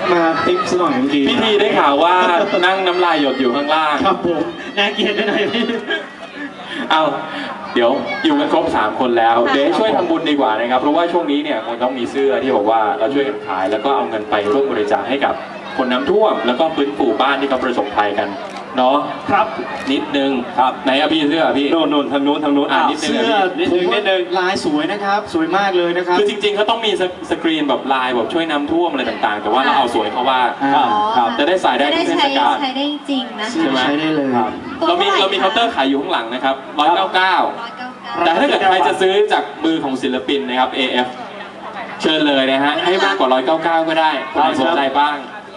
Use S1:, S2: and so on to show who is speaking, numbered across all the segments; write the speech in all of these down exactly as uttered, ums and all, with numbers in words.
S1: มาติ๊บซะหน่อยเมื่อกี้
S2: พี่ทีได้ข่าวว่านั่งน้ำลายหยดอยู่ข้างล่าง
S1: ครับผมน่าเกลียดไปหน่อยพี่
S2: เอาเดี๋ยวอยู่กันครบสามคนแล้วเดี๋ยวช่วยทำบุญดีกว่านะครับเพราะว่าช่วงนี้เนี่ยคงต้องมีเสื้อที่บอกว่าเราช่วยกันขายแล้วก็เอาเงินไปร่วมบริจาคให้กับคนน้ำท่วมแล้วก็ฟื้นฟูบ้านที่เขาประสบภัยกันเนาะ
S1: ครับ
S2: นิดนึงครับไหนอะพี่เสื้อพี่
S1: โน่นโน่นทางนู้นทางนู้น
S2: อ่าเสื้อ
S1: นิดนึงนิดนึงลายสวยนะครับสวยมากเลยนะครับ
S2: คือจริงๆเขาต้องมีสกรีนแบบลายแบบช่วยน้ำท่วมอะไรต่างๆแต่ว่าเราเอาสวยเขาว่าครับจะได้ใส่ได้ทุกเทศกาล
S3: ใช้ได้จริงนะ
S2: ใช่ไหม
S1: ใช้ได้เลยครับ
S2: เรามีเรามีเคาน์เตอร์ขายอยู่ข้างหลังนะครับร้อยเก้าเก้าแต่ถ้าเกิดใครจะซื้อจากมือของศิลปินนะครับ เอ เอฟ เชิญเลยนะฮะให้มากกว่าร้อยเก้าเก้าก็ได้ใครสนใจบ้าง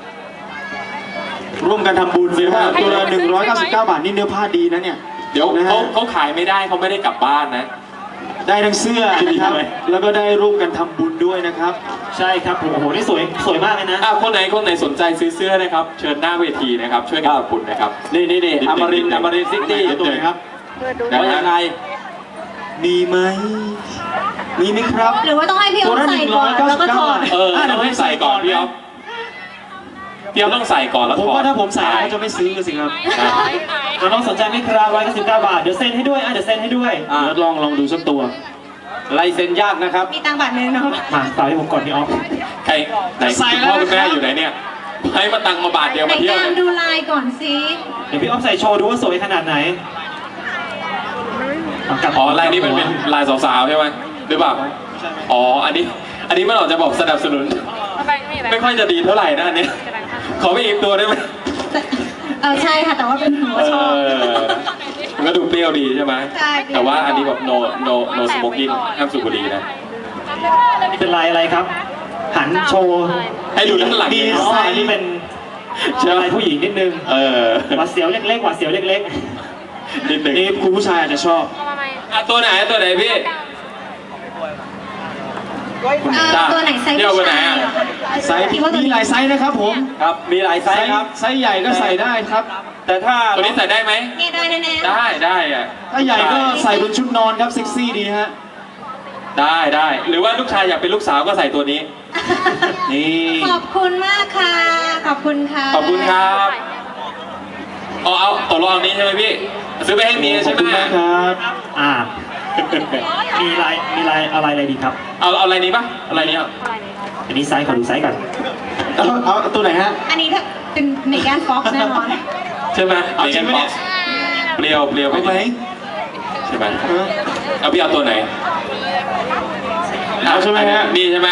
S1: ร่วมกันทำบุญนะฮะตัวละหนึ่งร้อยเก้าสิบเก้าบาทนี่เนื้อผ้าดีนะเนี่ย
S2: เดี๋ยวเขาเขาขายไม่ได้เขาไม่ได้กลับบ้านนะ
S1: ได้ทั้งเสื้อนะครับแล้วก็ได้ร่วมกันทำบุญด้วยนะครับใช่ครับโอ้โหนี่สวยสวยมากเลยนะ
S2: อ่ะคนไหนคนไหนสนใจซื้อเสื้อนะครับเชิญหน้าเวทีนะครับช่วยกันทำบุญนะครับ
S1: นี่นี่นี่อมรินทร์อมรินทร์ซิตี้ตัวไหนครับว่ายังไงมีไหมมีไหมครับ
S3: หรือว่าต้องให้พี่อ๊อฟใส่ก่อนแล้วก็ถอด
S2: เออต้องให้ใส่ก่อนพี่อ๊อฟพี่อ๊อฟต้องใส่ก่อนแล้วถอด
S1: ผมว่าถ้าผมใส่เขาจะไม่ซื้อสิครับ
S4: เราต้องสนใจไหมครับร้อยเก้าสิบเก้าบาทเดี๋ยวเซ็นให้ด้วยอ่ะเดี๋ยวเซ็นให้ด้วย
S1: อ่าลองลองดูสักตัวลายเซ็นยากนะครับ
S3: มีตังค์บาทนึงเนาะ
S4: มาต่อให้ผมก่อนพี่อ๊อฟ
S2: ใครไหนพ่อคุณแม่อยู่ไหนเนี่ยให้มาตังค์มาบาทเดียวมาเที่ยว
S3: ดูลายก่อนสิ
S4: เดี๋ยวพี่อ๊อฟใส่โชว์ดูว่าสวยขนาดไหน
S2: อ๋อลายนี้มันเป็นลายสาวๆใช่ไหมหรือเปล่าอ๋ออันนี้อันนี้มันออกจะบอกสนับสนุนไม่ค่อยจะดีเท่าไหร่นะอันนี้ขอไปอีกตัวได้ไหม
S3: เออใช่ค่ะแต่ว่าเป็นหัวชอบ
S2: มันก็ดูเปรี้ยวดีใช่ไหม
S3: ใช่
S2: แต่ว่าอันนี้แบบ no no no smoking ห้ามสูบบุหรี่นะ
S4: นี่เป็นลายอะไรครับหันโชว์
S2: ให้ดูด้านหลัง
S4: ดีไซน์นี่เป็นลายผู้หญิงนิดนึง
S2: เออ
S4: หวาดเสียวเล็กๆหวาดเสียวเล็ก
S2: ๆนิดนึง
S1: นี่คุณผู้ชายอาจจะชอบ
S2: ตัวไหนตัวไหนพี่
S3: ตัวไหนไซส์
S2: ผู้ชาย
S1: ไซส์มีหลายไซส์นะครับผม
S2: ครับมีหลายไซส์ครับ
S1: ไซส์ใหญ่ก็ใส่ได้ครับ
S2: แต่ถ้าตัวนี้ใส่ได้ไหม
S3: ได้แน่
S2: ๆได้ได้อะ
S1: ถ้าใหญ่ก็ใส่บนชุดนอนครับเซ็กซี่ดีฮะ
S2: ได้ได้หรือว่าลูกชายอยากเป็นลูกสาวก็ใส่ตัวนี้
S3: นี่ขอบคุณมากค่ะขอบคุณค่ะ
S2: ขอบคุณครับเอาเอาตกลงนี้ใช่ไหมพี่ซื้อไปให้เมียใช่ไหม
S1: ครับ
S4: อ่ามีลายมีลายอะไรอะไรดีครับ
S2: เอาเอาอะไรนี้ปะอะไรนี้อ่ะ
S4: อันนี้ไซส์ขอดูไซส์ก่อน
S1: เอาเอาตัวไหนฮะ
S3: อันนี้ถ้าเป็นเมแกนฟ็อกซ์แน่นอน
S2: ใช่ไหมเมแกนฟ็อกซ์เปรี้ยวเปรี้ยว
S1: ไหม
S2: ใช่ไหมเอาพี่เอาตัวไหน
S1: เอาใช่ไหมฮะ
S2: นี่ใช่ไหม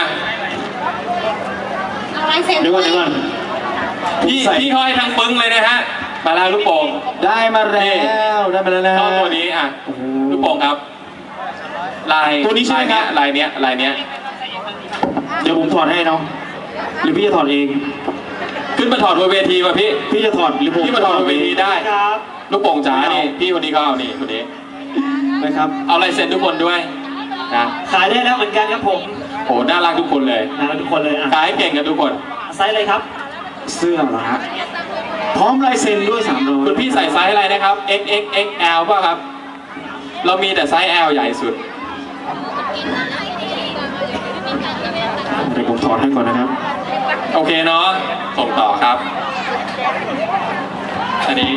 S3: เอาลายเซ็น
S1: เดี๋ยวก่อนเดี๋ยวก่อน
S2: พี่พี่ห้อยทั้งปึ้งเลยนะฮะมาลาลูกโป่ง
S1: ได้มาแล้วได้มาแล้วนะ
S2: ตัวนี้อ่ะลูกโป่งครับลาย
S1: ตัวนี้ใช่ไหมครับ
S2: ลายเนี้ยลายเนี้ย
S1: เดี๋ยวผมถอดให้น้องหรือพี่จะถอดเอง
S2: ขึ้นมาถอดบนเวทีป่ะพี่
S1: พี่จะถอดหรือผม
S2: พี่มาถอดบนเวทีได้ลูกโป่งจ๋านี่พี่คนนี้ก็เอานี่คนนี้
S1: นะครับ
S2: เอาลายเซ็นทุกคนด้วยนะ
S4: ขายได้แล้วเหมือนกันครับผม
S2: โหน่ารักทุกคนเลย
S4: น่ารักทุกคนเลยอ่ะ
S2: ขายเก่งกันทุกคน
S4: ไซส์อะไรครับ
S1: เสื้อเหรอฮะพร้อมลายเซ็นด้วยสามร้อย
S2: คุณพี่ใส่ไซส์อะไรนะครับ เอ็กซ์ เอ็กซ์ เอ็กซ์ แอล ป่ะครับเรามีแต่ไซส์ L ใหญ่สุด
S1: เดี๋ยวผมถอดให้ก่อนนะครับ
S2: โอเคเนาะส่งต่อครับอันนี้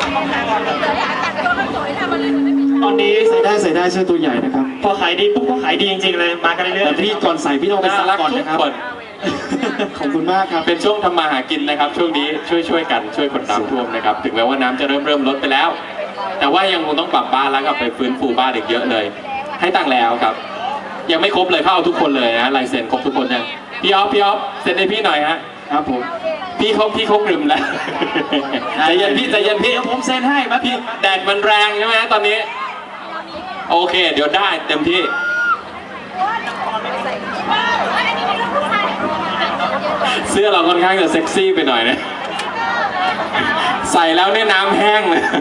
S4: ตอนนี้
S1: ใส่ได้ใส่ได้เสื้อตัวใหญ่นะครับ
S4: พอขายดีปุ๊บก็ขายดีจริงๆเลยมากันเรื่อยๆ
S1: แต่พี่ก่อนใส่พี่ต้องไปซักก่อนนะครับขอบคุณมากครับ
S2: เป็นช่วงทำมาหากินนะครับช่วงนี้ช่วยช่วยกันช่วยคนน้ำท่วมนะครับถึงแม้ว่าน้ำจะเริ่มเริ่มลดไปแล้วแต่ว่ายังคงต้องปรับบ้านแล้วก็ไปฟื้นฟูบ้านอีกเยอะเลยให้ตังค์แล้วครับยังไม่ครบเลยเข้าเอาทุกคนเลยนะลายเซ็นครบทุกคนยังพี่อ๊อฟพี่อ๊อฟเซ็นให้พี่หน่อยฮะ
S1: ครับผม
S2: พี่เขาพี่เขากลืมแล้วใจเย็นพี่ใจเย็นพี่
S1: เดี๋ยวผมเซ็นให้มา
S2: พี่แดดมันแรงใช่ไหมตอนนี้โอเคเดี๋ยวได้เต็มที่เสื้อเราค่อนข้างจะเซ็กซี่ไปหน่อยนะใส่แล้วเนี่ยน้ำแห้งเลย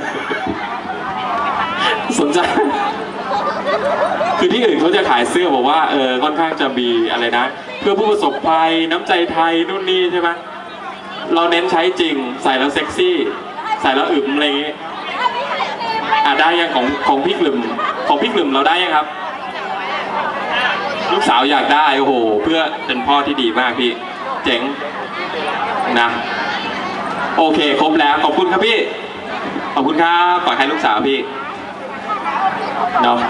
S2: สนใจคือที่อื่นเขาจะขายเสื้อบอกว่าเออค่อนข้างจะมีอะไรนะเพื่อผู้ประสบภัยน้ำใจไทยนู่นนี่ใช่ไหมเราเน้นใช้จริงใส่แล้วเซ็กซี่ใส่แล้วอึมอะไรอย่างงี้อ่ะได้ยังของของพี่กลุ่มของพี่กลุ่มเราได้ยังครับลูกสาวอยากได้โอ้โหเพื่อเป็นพ่อที่ดีมากพี่เจ๋งนะโอเคครบแล้วขอบคุณครับพี่ขอบคุณครับฝากให้ลูกสาวพี่เนาะ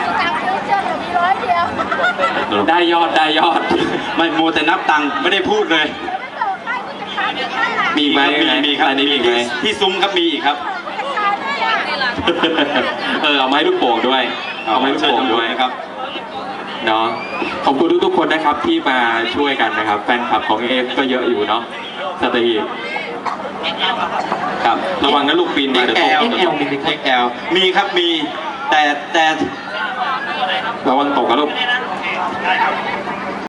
S2: ได้ยอดได้ยอด
S1: ไม่มัวแต่นับตังค์ไม่ได้พูดเลย
S2: มีไหม
S1: มีมีครับ
S2: อันนี้มีไหม
S1: ที่ซุ้มครับมีอีกครับ
S2: เออเอาไม้ลูกโป่งด้วยเอาไม้ลูกโป่งด้วย
S1: นะครับ
S2: เนาะขอบคุณทุกๆคนนะครับที่มาช่วยกันนะครับแฟนคลับของเอฟก็เยอะอยู่เนาะสัตหีบครับระวังนะลูกปีนมาเดี๋ยวตก
S1: เอ็กแอล
S2: เดี๋ยวตก
S1: เอ็กแอลมีครับมีแต่แต่
S2: ระวังตกนะลูก